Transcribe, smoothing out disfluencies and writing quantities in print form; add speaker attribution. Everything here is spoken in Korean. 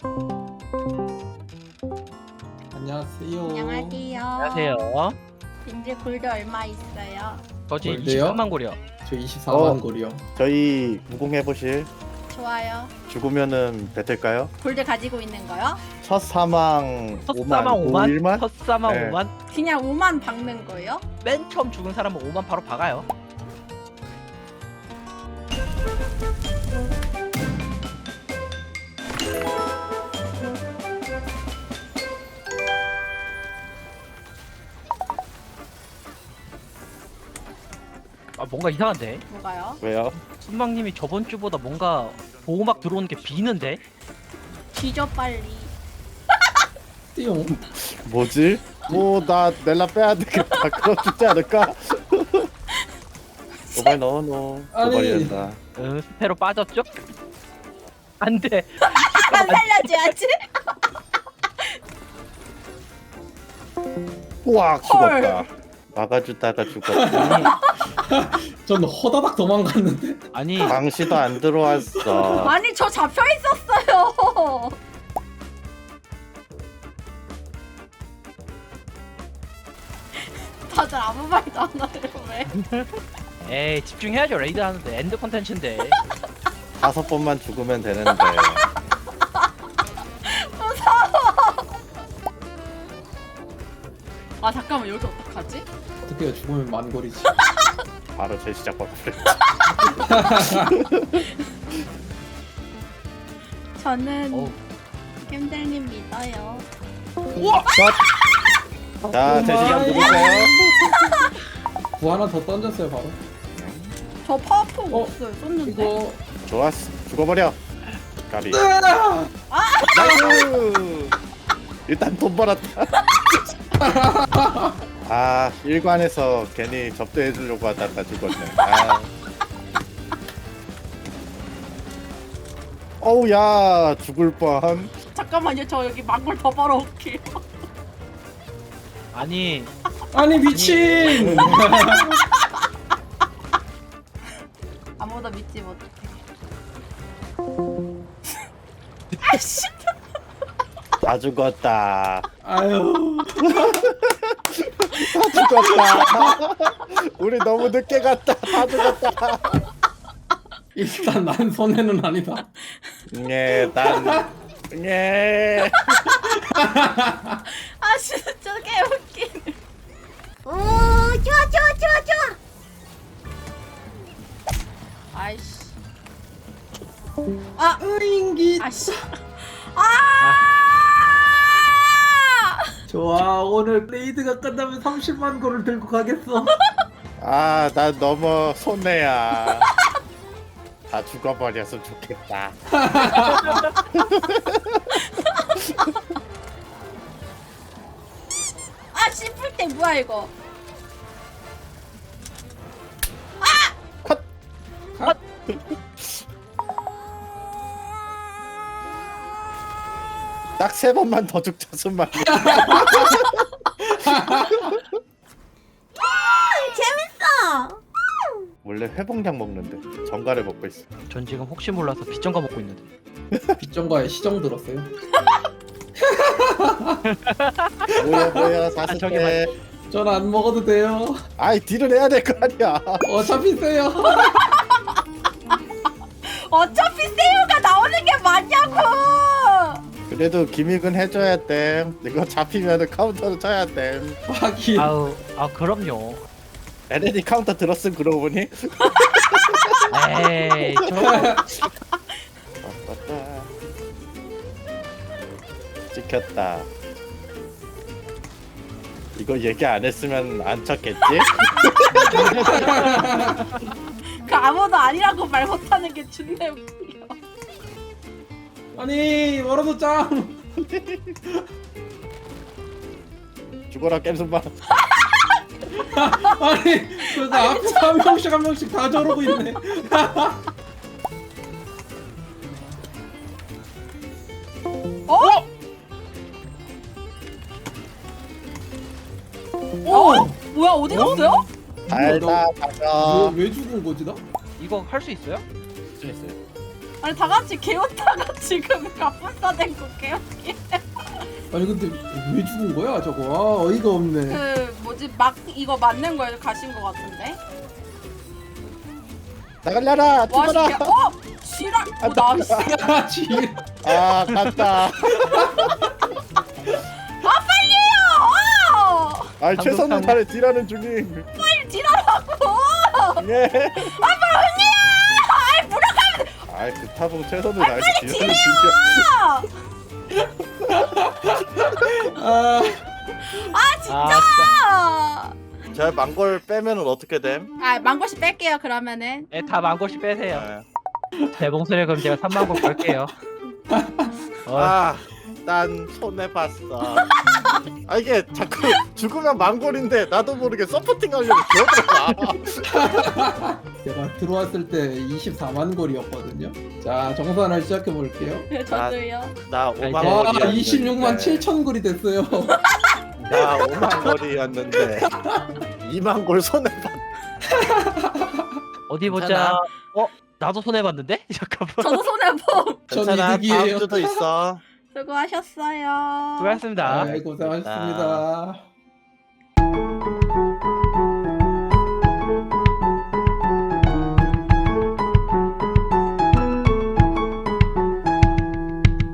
Speaker 1: 안녕하세요.
Speaker 2: 안녕하세요.
Speaker 3: 안녕하세요.
Speaker 2: 이제 골드 얼마 있어요?
Speaker 3: 저지
Speaker 1: 골드요?
Speaker 3: 23만 골이요.
Speaker 1: 저 24만
Speaker 4: 어.
Speaker 1: 골이요.
Speaker 4: 저희 무공해보실.
Speaker 2: 좋아요.
Speaker 4: 죽으면은 뱉을까요?
Speaker 2: 골드 가지고 있는 거요?
Speaker 4: 첫 사망
Speaker 3: 첫사망
Speaker 4: 5만
Speaker 3: 5만,
Speaker 4: 5일만?
Speaker 3: 첫사망
Speaker 4: 네.
Speaker 3: 5만.
Speaker 2: 그냥 5만 박는 거요?
Speaker 3: 맨 처음 죽은 사람은 5만 바로 박아요. 아 뭔가 이상한데?
Speaker 2: 뭐가요?
Speaker 4: 왜요?
Speaker 3: 순방님이 저번 주보다 뭔가 보호막 들어오는 게 비는데?
Speaker 2: 뒤져 빨리.
Speaker 1: 띠용.
Speaker 4: 뭐지? 뭐 나 넬라 빼야 되겠다. 그럼 죽지 않을까? 도발 넣어.
Speaker 1: 아니.
Speaker 4: 도발이란다.
Speaker 3: 응, 스페로 빠졌죠? 안 돼.
Speaker 2: 안 살려줘야지.
Speaker 4: 우악 죽었다. 막아주다가 죽었다.
Speaker 1: 전 허다닥 도망갔는데.
Speaker 3: 아니,
Speaker 4: 방시도 안 들어왔어.
Speaker 2: 아니 저 잡혀 있었어요. 다들 아무 말도 안 하네요 왜?
Speaker 3: 에이 집중해야죠. 레이드 하는데 엔드 컨텐츠인데.
Speaker 4: 5번만 죽으면 되는데.
Speaker 2: 아 잠깐만 여기 어떡하지?
Speaker 1: 어떻게 해요? 죽으면 만골이지.
Speaker 4: 바로 재시작 버렸지.
Speaker 2: 저는
Speaker 3: 어우.
Speaker 2: 겜들님 믿어요.
Speaker 4: 자, 재시작 누구세요?
Speaker 1: 구 하나 더 던졌어요 바로.
Speaker 2: 저 파워포
Speaker 1: 어,
Speaker 2: 없어요. 썼는데.
Speaker 1: 이거
Speaker 4: 좋았어. 죽어버려. 가비.
Speaker 1: 아!
Speaker 4: 나이스. 일단 돈 벌었다. 아, 일관에서 괜히 접대해주려고 하다가 죽었네. 아. 어우, 야, 죽을 뻔.
Speaker 2: 잠깐만요. 저 여기 망골 더 벌어올게요.
Speaker 3: 아니,
Speaker 1: 아니 미친.
Speaker 2: 아무도 믿지 못해. 아씨.
Speaker 4: 다 죽었다.
Speaker 1: 아유.
Speaker 4: 다 죽었다. 우리 너무 늦게 갔다. 다 죽었다.
Speaker 1: 일단 난 손해는 아니다.
Speaker 4: 예, 예.
Speaker 2: 아 진짜 개웃기네. 오 좋아. 아이씨. 아
Speaker 1: 으잉기.
Speaker 2: 아씨. 아.
Speaker 1: 좋아, 오늘 레이드가 끝나면 30만 골을 들고 가겠어.
Speaker 4: 아, 나 너무 손해야. 다 죽어버렸으면 좋겠다.
Speaker 2: 아 씹을 때 뭐야 이거?
Speaker 4: 딱 3번만 더 죽자슨 말이야.
Speaker 2: 재밌어.
Speaker 4: 원래 회복약 먹는데 정가를 먹고 있어.
Speaker 3: 전 지금 혹시 몰라서 빗정가 먹고 있는데.
Speaker 1: 빗정과의 시정 들었어요?
Speaker 4: 뭐야
Speaker 3: 저기
Speaker 4: 사슬대.
Speaker 1: 전 안 먹어도 돼요.
Speaker 4: 아이 딜을 해야 될 거 아니야.
Speaker 1: 어차피 세요.
Speaker 2: 어차피 세유가 나오는 게 맞냐고.
Speaker 4: 그래도 기믹은 해줘야 돼. 이거 잡히면은 카운터를 쳐야 돼.
Speaker 1: 하긴.
Speaker 3: 아우, 아 그럼요.
Speaker 4: LND 카운터 들었음 그러고 보니.
Speaker 3: 에이,
Speaker 4: 찍혔다. 이거 얘기 안 했으면 안 쳤겠지?
Speaker 2: 그 아무도 아니라고 말 못하는 게 존나 웃겨.
Speaker 1: 아니 멀어도 짱.
Speaker 4: 죽어라 겜순방.
Speaker 1: 아니 그래서 앞에서 한 명씩 다 저러고 있네.
Speaker 2: 어?
Speaker 1: 오!
Speaker 2: 뭐야 어디 갔어요?
Speaker 4: 달다 가자.
Speaker 1: 왜 죽은 거지 나?
Speaker 3: 이거 할 수 있어요?
Speaker 4: 있어요.
Speaker 2: 아니 다 같이 개웃다가 지금 갑분싸 된거 개웃기.
Speaker 1: 아니 근데 왜 죽은 거야 저거? 아, 어이가 없네.
Speaker 2: 그 뭐지 막 이거 맞는 거에 가신 거 같은데.
Speaker 4: 나갈려라
Speaker 2: 와
Speaker 4: 죽어라.
Speaker 2: 진짜 지랄. 나이스.
Speaker 1: 야 지.
Speaker 4: 아 갔다. 아 최선을 다해 딜하는 중임.
Speaker 2: 빨리 지랄하고.
Speaker 4: 예.
Speaker 2: 언니야. 아이 물어가면
Speaker 4: 아이 그 타보 최선을 다해서 딜하는 중이야.
Speaker 1: 아
Speaker 2: 아 진짜.
Speaker 4: 저 망골 빼면은 어떻게 됨?
Speaker 2: 아 망고씨 뺄게요 그러면은.
Speaker 3: 네, 다 만골씩 빼세요.
Speaker 4: 네.
Speaker 3: 제 목소리 그럼 제가 3만 골 걸게요.
Speaker 4: 난 손해 봤어. 아 이게 자꾸 죽으면 망골인데 나도 모르게 서포팅 하려고 기어들어가.
Speaker 1: 제가 들어왔을 때 24만 골이었거든요. 자 정산을 시작해 볼게요.
Speaker 2: 저도요.
Speaker 4: 나
Speaker 3: 이제-
Speaker 4: 5만
Speaker 1: 와
Speaker 4: 골이었는데.
Speaker 1: 26만 7천 골이 됐어요.
Speaker 4: 나 5만 골이었는데 2만 골 손해 봤.
Speaker 3: 어디 보자.
Speaker 4: 괜찮아.
Speaker 3: 나도 손해봤는데? 잠깐만.
Speaker 2: 저도 손해봄.
Speaker 1: 전
Speaker 4: 괜찮아.
Speaker 1: 이득이에요.
Speaker 4: 다음 주도 있어.
Speaker 2: 수고하셨어요.
Speaker 3: 수고하셨습니다.
Speaker 1: 네, 고생하셨습니다.